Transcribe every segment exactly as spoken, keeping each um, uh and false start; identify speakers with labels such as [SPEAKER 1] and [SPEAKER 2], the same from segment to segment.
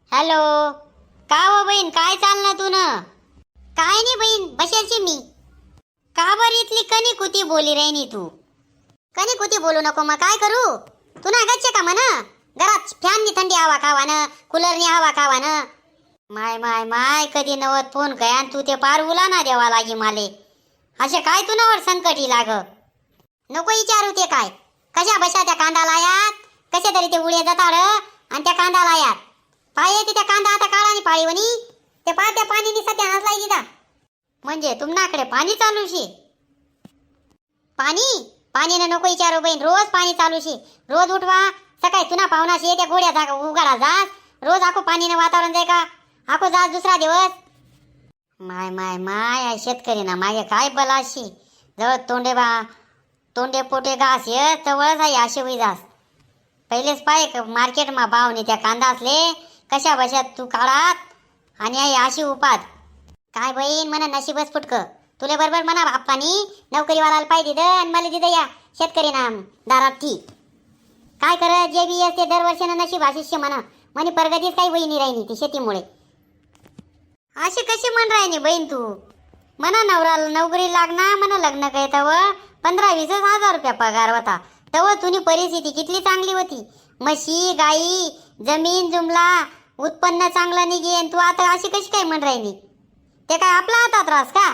[SPEAKER 1] Hello. का हो बहीण, काय चाललं तू न? काय नाही बहीण, बशाची मी. का बरं इथली कनी कुती बोली राहिनी तू? कनी कुती बोलू नको, मग काय करू? तू ना गच्चे का म्हणा घरात फॅननी थंडी हवा खावानं, कूलरनी हवा खावानं. माय माय माय, कधी नवत फोन काय आणि तू ते पार उलाना देवा लागी माले. असे काय तू नवर संकटी लाग. नको विचारू ते काय कशा बशा त्या कांदा लायात, कसे तरी ते उडे जाताड आणि त्या कांदा लायात पाय त्या कांदा आता काळानी पाळीवनी ते पार त्या पाणीनी सत्यानाच लाई दिदा. म्हणजे तुमनाकडे पाणी चालू शे? पाणी पाणीनं नको विचारू बहीण, रोज पाणी चालू शे. रोज उठवा सकाळी तुना पाहुणा शे त्या गोड्या जागा उघडा जास, रोज आखो पाणीनं वातावरण जाय का आखो जास दुसरा दिवस. माय माय माय, शेतकरी ना मागे काय बलाशी जवळ तोंडे बा तोंडे पोटे घास ये जवळच आहे असे होई जास. पहिलेच पाय मार्केटमा भावने त्या कांदा असले कशा बशात तू काढात आणि आई अशी उपात. काय बहीण म्हणा नशीबच फुटक. तुले बरोबर म्हणा बाप्पानी नोकरीवाला पाहिजे दिद आणि मला दिद या शेतकरी ना दारात ठी. काय कर जे बी असते दरवर्षीनं नशीब आशिष्य म्हणा म्हणे प्रगतीच काही वहिनी राहिनी ती शेतीमुळे. अशी कशी म्हण राहिनी बहीण तू? म्हणा नवरा नोकरी लागना म्हणा लग्न काय तव पंधरा वीस हजार रुपया पगार होता. तव तुनी परिस्थिती कितली चांगली होती. म्हशी गाई जमीन जुमला उत्पन्न चांगलं निघेन. तू आता अशी कशी काय म्हण राहिली? ते काय आपला हातात रास का?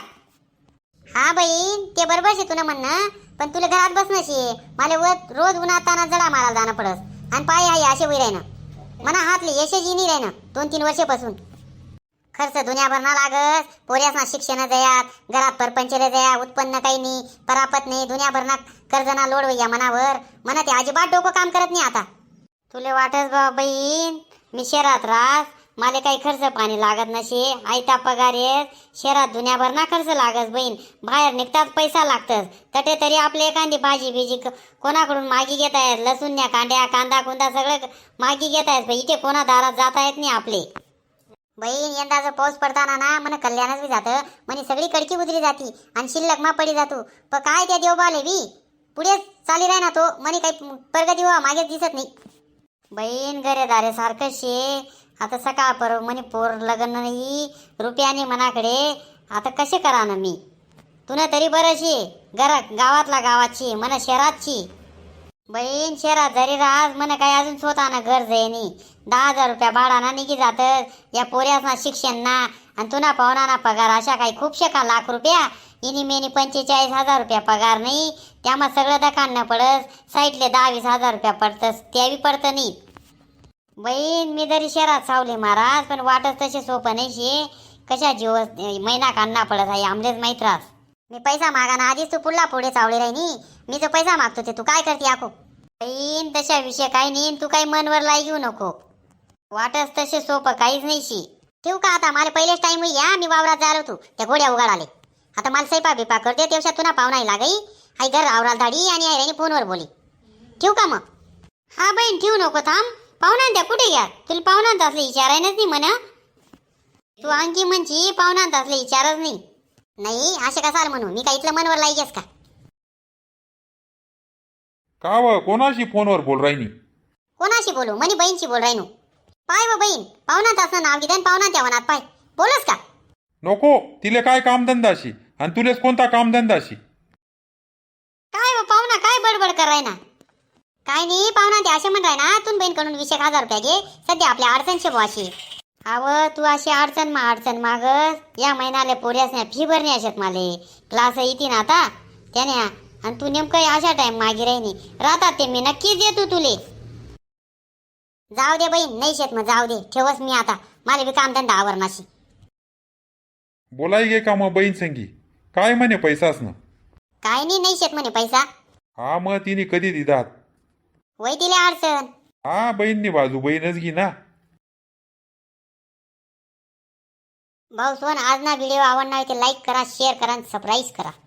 [SPEAKER 1] हा बहीण ते बरोबर शे तुला म्हणणं, पण तुला घरात बसणं शे. मला रोज उन्हाताना जडा मारायला जाणं पडस आणि पाय आहे असे होई राहिना म्हणा हातले यशची नाही राहिना दोन तीन वर्षापासून. खर्च दुनिया भरणा लागस, पोऱ्यासना शिक्षण जयात, घरात परपंचले जया, उत्पन्न काही नाही, परापत नाही, दुनिया भरणा कर्जना लोड वैया मनावर. म्हणा ते अजिबात डोकं काम करत नाही आता. तुले वाटस बा बहीण मी शहरात राहस, मला काही खर्च पाणी लागत नसे, आयता पगार येत. शहरात दुनिया भरणा खर्च लागस बहीण, बाहेर निघतात पैसा लागतस. तटे तरी आपले एखादी भाजी बिजी कोणाकडून मागी घेता येत, लसूण कांड्या कांदा कुंदा सगळं मागी घेता येत. इथे कोणा दारात जाता येत नाही आपले. बहीण यंदा जर पाऊस पडताना ना मन कल्याणच बी जातं म्हणे सगळी कडकी उतरी जाती आणि शिल्लक मा पडी जातो. पण काय त्या देवबाले बी पुढे चाली राही ना तो म्हणे काही प्रगती व्हा मागेच दिसत नाही. बहीण घरेदारे सारखं शे. आता सकाळ पर म्हणे पोर लग्न नाही रुपयाने मनाकडे. आता कसे करा ना मी? तुला तरी बरं शे घरा गावातला गावाची मन शहरातची. बहीण शहरात जरी राहस मन काय अजून स्वतःना घर जायनी. दहा हजार रुपया भाडाना निघी जात या पोऱ्यासना शिक्षण ना आणि तुना पाहुणा पगार अशा काही खूप शेका लाख रुपया. इनी मेनी पंचेचाळीस हजार रुपया पगार नाही, त्यामुळे सगळं दखान न पडस. साईटले दहा वीस हजार रुपया पडतस त्यावी पडतं नाही. बहीण मी जरी शहरात सावले महाराज पण वाटत तसे सोपं नाही शे. कशा जीव महिना काढणा पडत आहे आमलेच माहीत रास. मी पैसा मागाना आधीच तू पुढला पुढे चावले राहिनी. मी जो पैसा मागतो ते तू काय करते आखो? बहीण तशा विषय काही नाही, तू काही मनवर लाई घेऊ नको. वाटस तसे सोपं काहीच नाही शी. ठेवू का आता? मला पहिलेच टाइम होई या मी वावरात जायला होतो त्या घोड्या उघड आले. आता मला स्वयंपा बिपा करते तेवढ्या तुला पाहुणा लागई. आई घर आवराल धाडी आणि आई राणी फोनवर बोली. ठेवू का मग? हा बहीण ठेवू नको, थांब. पाहुणा त्या कुठे घ्या? तुला पाहुणांत असले विचारायनच नाही म्हणा. तू आणखी म्हणची पाहुणांत असले विचारच नाही. नाही असे कसाल म्हणू मी काय इथलं मनवर लाई गेस का?
[SPEAKER 2] का व कोणाशी फोनवर बोल राहिनी?
[SPEAKER 1] कोणाशी बोलू? म्हणे बहीणशी बोल राहिनो. पाय व बहीण पाहुणात असं नाव घेते पाहुणा त्या वनात पाय बोलस का?
[SPEAKER 2] नको, तिले काय कामधंदाशी आणि तुलेच कोणता कामधंदाशी?
[SPEAKER 1] काय व पाहुणा काय बडबड कर ना? काय नाही पाहुणा ते असे म्हण राय ना तुन बहीणकडून वीस एक हजार रुपया घे सध्या आपल्या अडचणशे बुवाशी. अव तू अशी अडचण मा अडचण मागस. या महिन्याला पोऱ्यासने फी भरणे अशत माले क्लास येते ना आता त्याने आणि तू नेमकं अशा टाइम मागे राहिनी राहतात ते मी नक्कीच देतो तुले. जाऊ दे बहीण नाही शेत मग जाऊ दे ठेवस मी आता मला बी कामधंदा आवरणाशी.
[SPEAKER 2] बोलाई गे का मग बहीण संगी? काय म्हणे पैसाच ना?
[SPEAKER 1] काय नाही नाही शेत म्हणे पैसा.
[SPEAKER 2] हा मग तिने कधी दिदात?
[SPEAKER 1] वय तिले अडचण.
[SPEAKER 2] हा बहीणनी बाजू बहीणच घे ना.
[SPEAKER 1] भाऊ सोन आज ना व्हिडिओ आवडणार ते लाईक करा शेअर करा आणि सबस्क्राईब करा.